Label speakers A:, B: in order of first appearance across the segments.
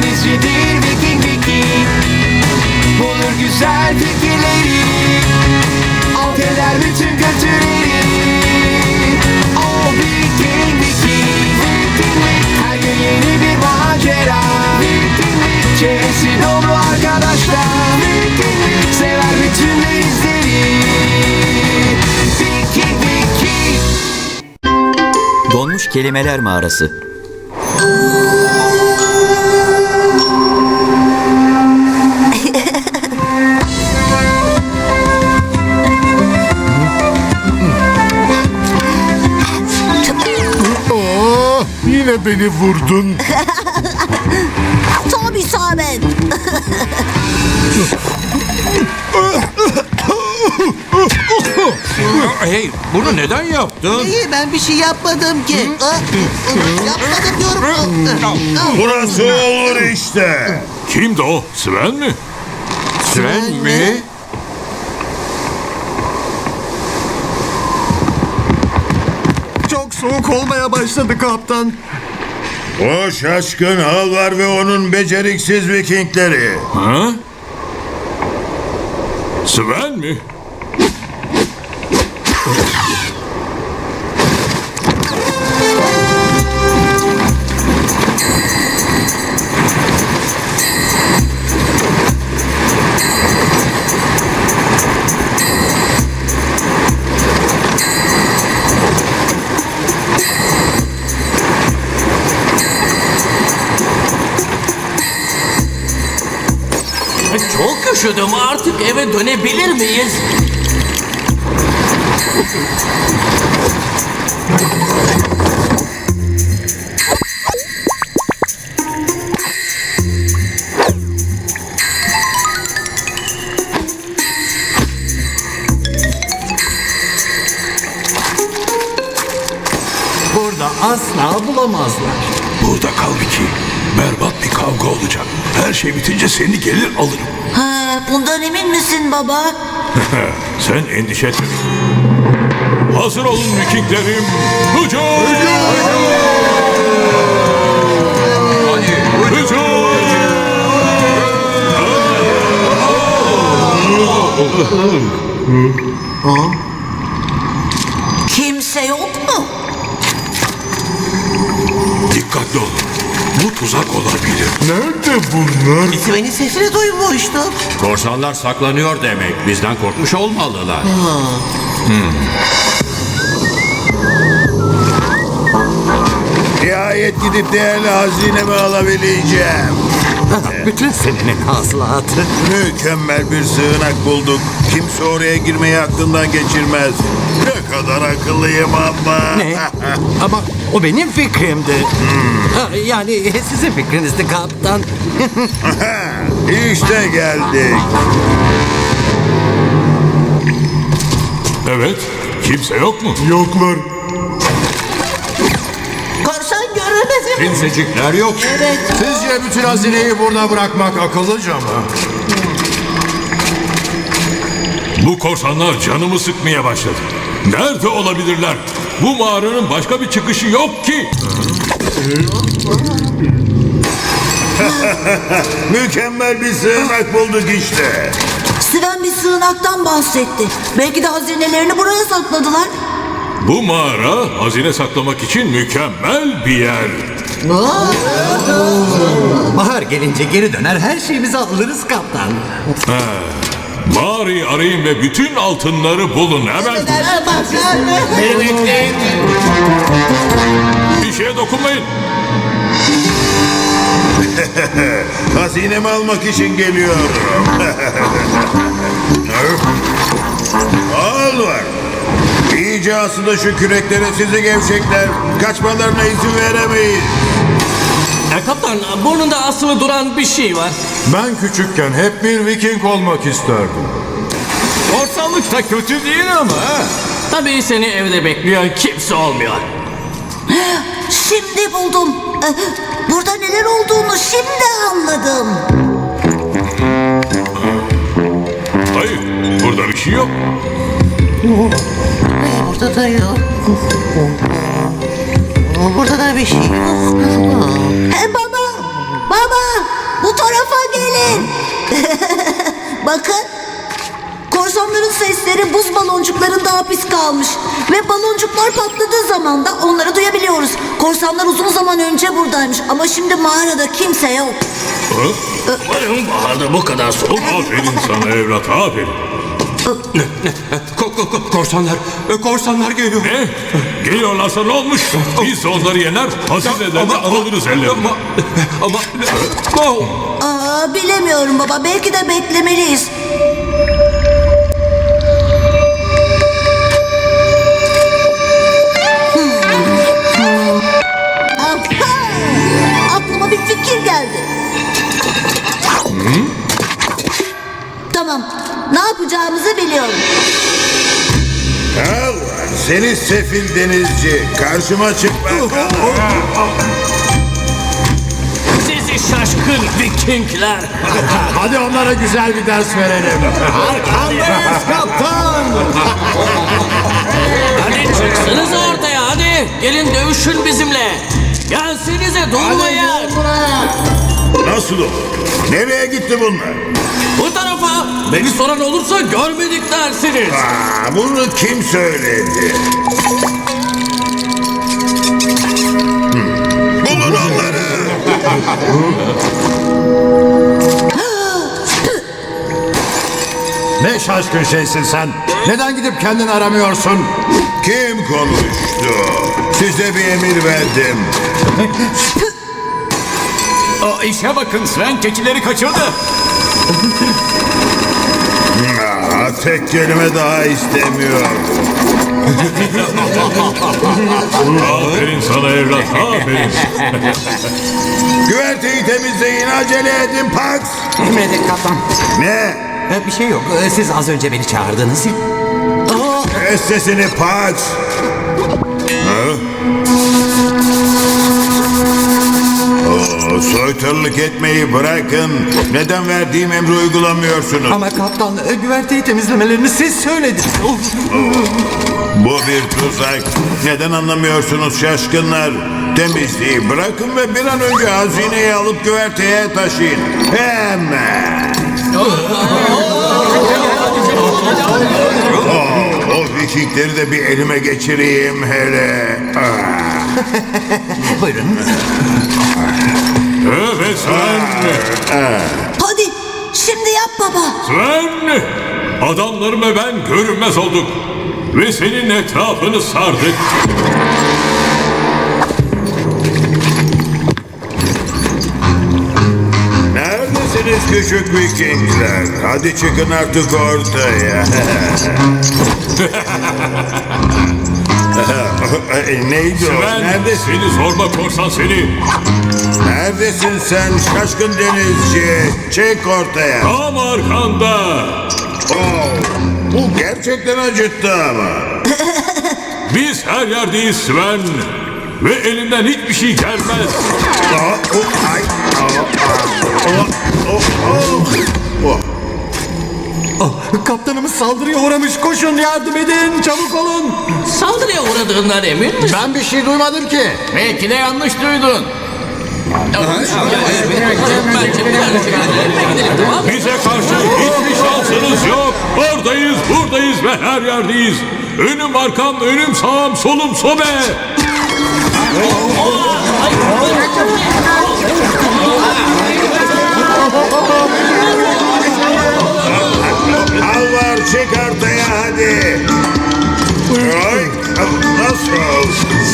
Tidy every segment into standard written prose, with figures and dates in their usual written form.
A: denizcidir Viking Viking. Bulur güzel fikirleri, alt eder bütün kötüleri. O Viking Viking. Her gün yeni bir macera. Çevresi dolu arkadaşlar. Sever bütün denizleri. Viking Viking.
B: Donmuş Kelimeler Mağarası.
C: Yine beni vurdun.
D: Tabii Samet.
E: Hey, bunu neden yaptın?
F: İyi, ben bir şey yapmadım ki. Yapmadım diyorum.
C: Burası olur işte.
E: Kimdi o? Sven mi? Sven mi?
C: Çok soğuk olmaya başladı kaptan.
G: O şaşkın Halvar ve onun beceriksiz Vikingleri.
E: Ha? Sven mi?
H: Çok üşüdüm, artık eve dönebilir miyiz?
I: Burada asla bulamazlar.
E: Burada kal Vicky. Berbat bir kavga olacak. Her şey bitince seni gelir alırım.
D: Ha, bundan emin misin baba?
E: Sen endişe etme. Hazır olun Vikinglerim. Hücum! Hücum!
D: Kimse yok mu?
E: Dikkatli olun. Bu tuzak olabilir.
C: Nerede bunlar?
F: Sven'in sesini duymuştum.
J: Korsanlar saklanıyor demek. Bizden korkmuş olmalılar.
G: Nihayet gidip değerli hazinemi alabileceğim.
I: Bütün senenin hasılatı.
G: Mükemmel bir sığınak bulduk. Kimse oraya girmeyi aklından geçirmez. Ne kadar akıllıyım ama.
I: Ne? Ama o benim fikrimdi. Ha, yani sizin fikrinizdi kaptan.
G: İşte geldik.
E: Evet. Kimse yok mu?
C: Yoklar.
F: Korsan görünmez mi?
J: Kimsecikler yok.
F: Evet.
J: Sizce bütün hazineyi burada bırakmak akıllıca mı?
E: Bu korsanlar canımı sıkmaya başladı. Nerede olabilirler? Bu mağaranın başka bir çıkışı yok ki.
G: Mükemmel bir sığınak bulduk işte.
D: Sven bir sığınaktan bahsetti. Belki de hazinelerini buraya sakladılar.
E: Bu mağara hazine saklamak için mükemmel bir yer.
I: Bahar gelince geri döner her şeyimizi alırız kaptan.
E: Mağarayı arayın ve bütün altınları bulun hemen.
H: Beni bekleyin.
E: Bir şeye dokunmayın.
G: Hazinemi almak için geliyorum. Halvar. İyice asılı şu küreklere sizi gevşekler. Kaçmalarına izin veremeyiz.
H: Kaptan, burnunda asılı duran bir şey var.
J: Ben küçükken hep bir Viking olmak isterdim.
H: Korsanlık da kötü değil ama. Tabii seni evde bekleyen kimse olmuyor.
D: Şimdi buldum. Burada neler olduğunu şimdi anladım.
E: Hayır, burada bir şey yok.
F: Burada da yok. Burada da bir şey yok.
D: Baba, Baba, bu tarafa gelin. Bakın. Korsanların sesleri buz baloncuklarında hapis kalmış. Ve baloncuklar patladığı zaman da onları duyabiliyoruz. Korsanlar uzun zaman önce buradaymış. Ama şimdi mağarada kimse yok.
E: Umarım baharda bu kadar soğuk. Aferin sana evlat, aferin.
J: Korsanlar geliyor.
E: Ne? Geliyorlarsa ne olmuş? Biz de onları yener, hazinelerini alırız ellerine.
D: Aa, bilemiyorum baba. Belki de beklemeliyiz. Aha! Aklıma bir fikir geldi. Tamam. Ne yapacağımızı biliyorum.
G: Al, seni sefil denizci. Karşıma çık bakalım.
H: Sizi şaşkın Vikingler.
C: Hadi onlara güzel bir ders verelim.
I: Arkandayız kaptan.
H: Hadi çıksınız ortaya hadi. Gelin dövüşün bizimle. Gelsenize durmayın.
G: Nasıl olur? Nereye gitti bunlar?
H: Bu tarafa. Beni soran olursa görmedik dersiniz.
G: Bunu kim söyledi? Bulun onları.
C: Ne şaşkın şeysin sen. Neden gidip kendini aramıyorsun?
G: Kim konuştu? Size bir emir verdim.
H: O işe bakın Sven keçileri kaçırdı.
G: Tek kelime daha istemiyor.
E: Aferin sana evlat, aferin.
G: Güverteyi temizleyin, acele edin Pax.
I: Emredin kaptan.
G: Ne?
I: Bir şey yok. Siz az önce beni çağırdınız ya.
G: Kes sesini Pax. Soytarılık etmeyi bırakın. Neden verdiğim emri uygulamıyorsunuz?
I: Ama kaptan güverteyi temizlemelerini siz söylediniz.
G: Bu bir tuzak. Neden anlamıyorsunuz şaşkınlar? Temizliği bırakın ve bir an önce hazineyi alıp güverteye taşıyın. Hemen. O vikingleri de bir elime geçireyim hele.
I: Buyurun.
E: Evet Sven.
D: Hadi şimdi yap baba.
E: Sven. Adamlarım ve ben görünmez olduk. Ve senin etrafını sardık.
G: Neredesiniz küçük vikingler? Hadi çıkın artık ortaya. Neydi o?
E: Sven,
G: Neredesin?
E: seni zorba korsan seni.
G: Neredesin sen şaşkın denizci? Çık ortaya.
E: Tam arkanda.
G: Bu gerçekten acıttı ama.
E: Biz her yerdeyiz Sven. Ve elinden hiçbir şey gelmez.
I: Kaptanımız saldırıya uğramış. Koşun yardım edin. Çabuk olun.
H: Saldırıya uğradığından emin misin?
C: Ben bir şey duymadım ki.
H: Belki de yanlış duydun.
E: Bize karşı hiçbir şansınız yok. Oradayız, buradayız ve her yerdeyiz. Önüm arkam, önüm sağım, solum sobe.
G: Al var çık ortaya hadi. Ay, nasıl?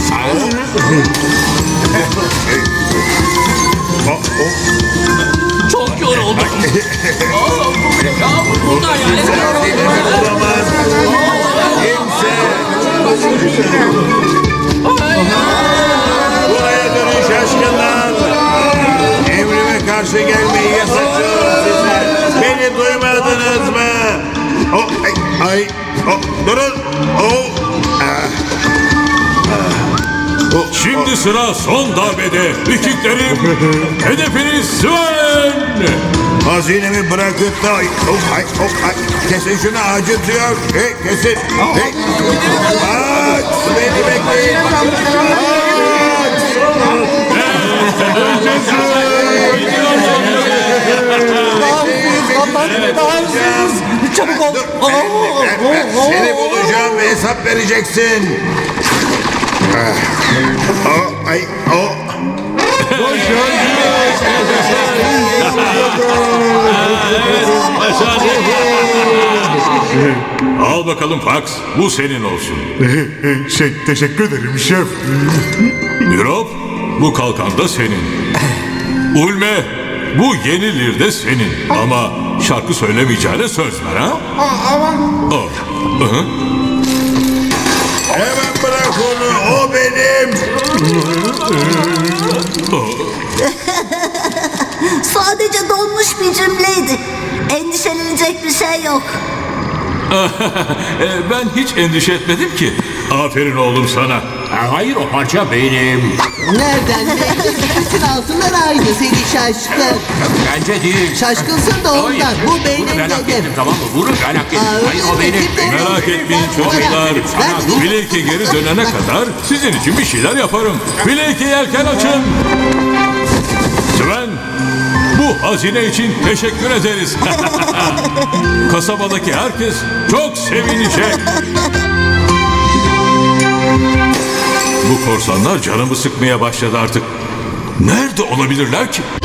H: Çok yoruldum. Burada yani.
G: Olamaz. Kimse. Buraya dönün şaşkınlar. Emrime karşı gelmeyi yasaklıyorum size. Beni duymadınız mı? Durun.
E: Şimdi sıra son darbede. Vikinglerim, hedefiniz Sven.
G: Hazinemi bırakıp da kesin şunu acıtıyor. Kesin. Beni bekleyin. vereceksin. Ay,
E: Al bakalım Fox. Bu senin olsun.
C: Teşekkür ederim şef.
E: Mirop, bu kalkan da senin. Ulme, bu yenilir de senin. Ama şarkı söylemeyeceğine söz ver ha? Oh. Hı.
G: hemen bırak onu. O benim.
D: Sadece donmuş bir cümleydi. Endişelenecek bir şey yok.
E: Ben hiç endişe etmedim ki. Aferin oğlum sana.
J: Hayır, o parça benim.
F: Nereden belli? Bütün altınlar aynı seni şaşkın.
J: Bence değil.
F: Şaşkınsın da ondan.
J: Hayır,
F: Bu
J: bunu
F: benim
J: ben hak
F: dedim.
J: ettim, tamam mı? Bunu ben hak ettim. Hayır, o benim.
E: Merak etmeyin çocuklar. Blake'e geri dönene kadar sizin için bir şeyler yaparım. Blake'e yelken açın. Sven, bu hazine için teşekkür ederiz. Kasabadaki herkes çok sevinecek. Bu korsanlar canımı sıkmaya başladı artık. Nerede olabilirler ki?